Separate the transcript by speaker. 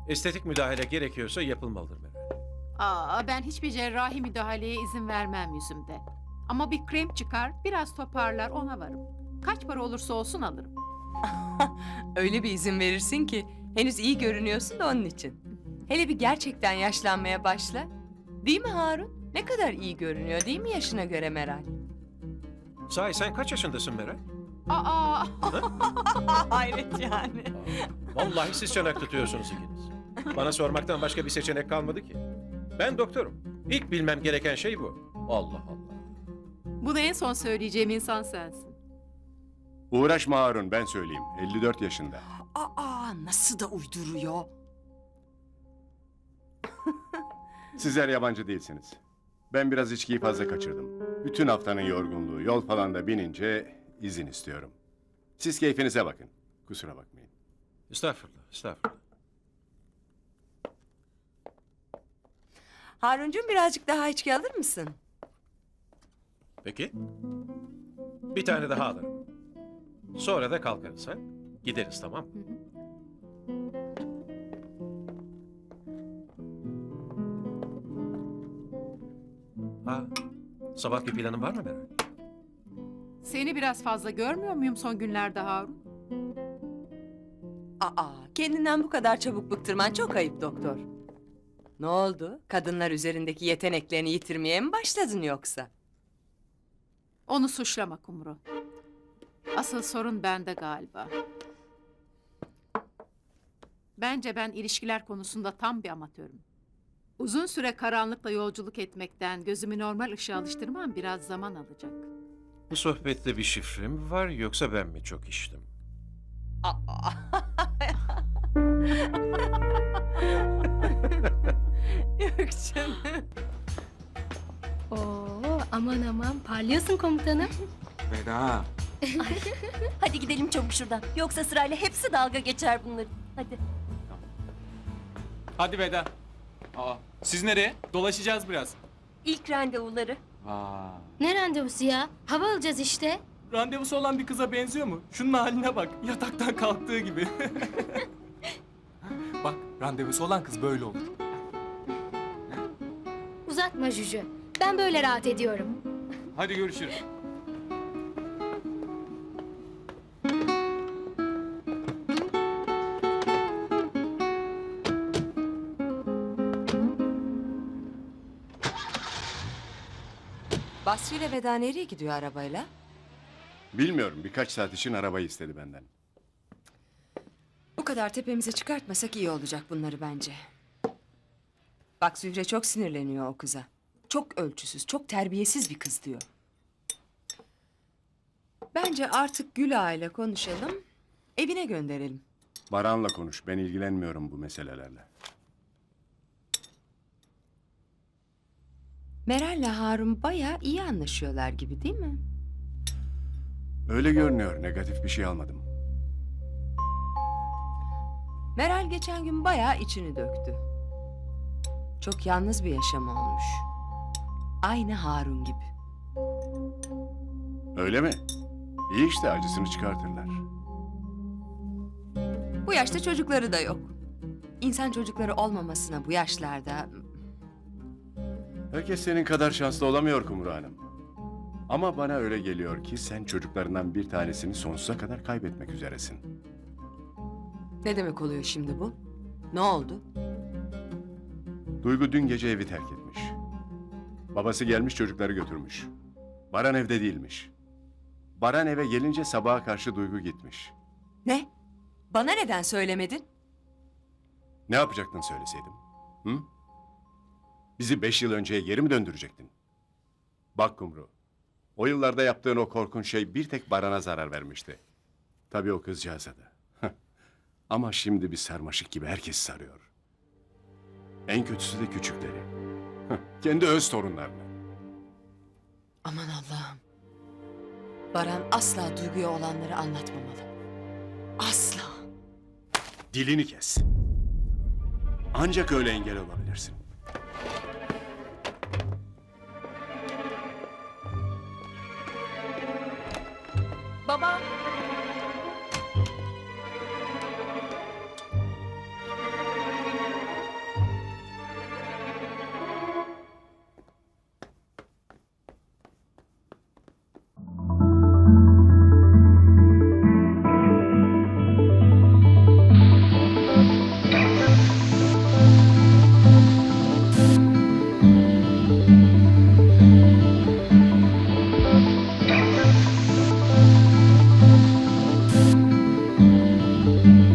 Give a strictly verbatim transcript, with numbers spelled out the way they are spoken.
Speaker 1: Estetik müdahale gerekiyorsa yapılmalıdır Meral.
Speaker 2: Aa, ben hiçbir cerrahi müdahaleye izin vermem yüzümde. Ama bir krem çıkar, biraz toparlar, ona varım. Kaç para olursa olsun alırım.
Speaker 3: Öyle bir izin verirsin ki henüz iyi görünüyorsun da onun için. Hele bir gerçekten yaşlanmaya başla. Değil mi Harun? Ne kadar iyi görünüyor değil mi yaşına göre Meral?
Speaker 1: Sahi sen kaç yaşındasın Meral?
Speaker 2: Aa,
Speaker 3: Hayret yani.
Speaker 1: Vallahi siz çanak tutuyorsunuz ikiniz. Bana sormaktan başka bir seçenek kalmadı ki. Ben doktorum. İlk bilmem gereken şey bu. Allah Allah.
Speaker 2: bunu en son söyleyeceğim insan sensin.
Speaker 4: Uğraşma Harun, ben söyleyeyim. elli dört yaşında.
Speaker 3: Aa nasıl da uyduruyor.
Speaker 4: Sizler yabancı değilsiniz. Ben biraz içkiyi fazla kaçırdım. Bütün haftanın yorgunluğu, yol falan da binince izin istiyorum. Siz keyfinize bakın. Kusura bakmayın.
Speaker 1: Estağfurullah, estağfurullah.
Speaker 3: Haruncuğum birazcık daha içki alır mısın?
Speaker 1: Peki. Bir tane daha alırım. Sonra da kalkarız ha. Gideriz, tamam mı? Ha, sabahki planın var mı Meral?
Speaker 2: Seni biraz fazla görmüyor muyum son günlerde Harun?
Speaker 3: Aa kendinden bu kadar çabuk bıktırman çok ayıp doktor. Ne oldu? Kadınlar üzerindeki yeteneklerini yitirmeye mi başladın yoksa?
Speaker 2: Onu suçlama Kumru. Asıl sorun bende galiba. Bence ben ilişkiler konusunda tam bir amatörüm. Uzun süre karanlıkla yolculuk etmekten gözümü normal ışığa alıştırmam biraz zaman alacak.
Speaker 1: Bu sohbette bir şifre mi var yoksa ben mi çok içtim?
Speaker 3: Aa. Yok canım.
Speaker 5: Oo, aman aman parlıyorsun komutanım.
Speaker 6: Veda.
Speaker 7: Hadi gidelim çabuk şuradan. Yoksa sırayla hepsi dalga geçer bunların. Hadi.
Speaker 6: Hadi Veda. Aa, siz nereye? Dolaşacağız biraz.
Speaker 7: İlk randevuları.
Speaker 6: Aa.
Speaker 5: Ne randevusu ya? Hava alacağız işte.
Speaker 6: Randevusu olan bir kıza benziyor mu? Şunun haline bak. Yataktan kalktığı gibi. Bak, randevusu olan kız böyle olur.
Speaker 5: Uzatma Juju. Ben böyle rahat ediyorum.
Speaker 6: Hadi görüşürüz.
Speaker 3: Basri ile Veda nereye gidiyor arabayla?
Speaker 4: Bilmiyorum, birkaç saat için arabayı istedi benden.
Speaker 3: Bu kadar tepemize çıkartmasak iyi olacak bunları bence. Bak Zühre çok sinirleniyor o kıza. Çok ölçüsüz, çok terbiyesiz bir kız diyor. Bence artık Gül Ağa ile konuşalım, evine gönderelim.
Speaker 4: Baran'la konuş, ben ilgilenmiyorum bu meselelerle.
Speaker 3: Meral'le Harun bayağı iyi anlaşıyorlar gibi değil mi?
Speaker 4: Öyle görünüyor, negatif bir şey almadım.
Speaker 3: Meral geçen gün bayağı içini döktü. Çok yalnız bir yaşam olmuş. Aynı Harun gibi.
Speaker 4: Öyle mi? İyi işte, acısını çıkartırlar.
Speaker 3: Bu yaşta çocukları da yok. İnsan çocukları olmamasına bu yaşlarda...
Speaker 4: Herkes senin kadar şanslı olamıyor Kumru Hanım. Ama bana öyle geliyor ki sen çocuklarından bir tanesini sonsuza kadar kaybetmek üzeresin.
Speaker 3: Ne demek oluyor şimdi bu? Ne oldu?
Speaker 4: Duygu dün gece evi terk etmiş. Babası gelmiş çocukları götürmüş. Baran evde değilmiş. Baran eve gelince sabaha karşı Duygu gitmiş.
Speaker 3: Ne? Bana neden söylemedin?
Speaker 4: Ne yapacaktın söyleseydim? Hı? Bizi beş yıl önceye geri mi döndürecektin? Bak Kumru, o yıllarda yaptığın o korkunç şey bir tek Baran'a zarar vermişti. Tabii o kızcağıza da. Ama şimdi bir sarmaşık gibi herkes sarıyor. En kötüsü de küçükleri. Kendi öz torunlarını.
Speaker 3: Aman Allah'ım. Baran asla Duygu'ya olanları anlatmamalı. Asla.
Speaker 4: Dilini kes. Ancak öyle engel olabilirsin.
Speaker 7: Baba,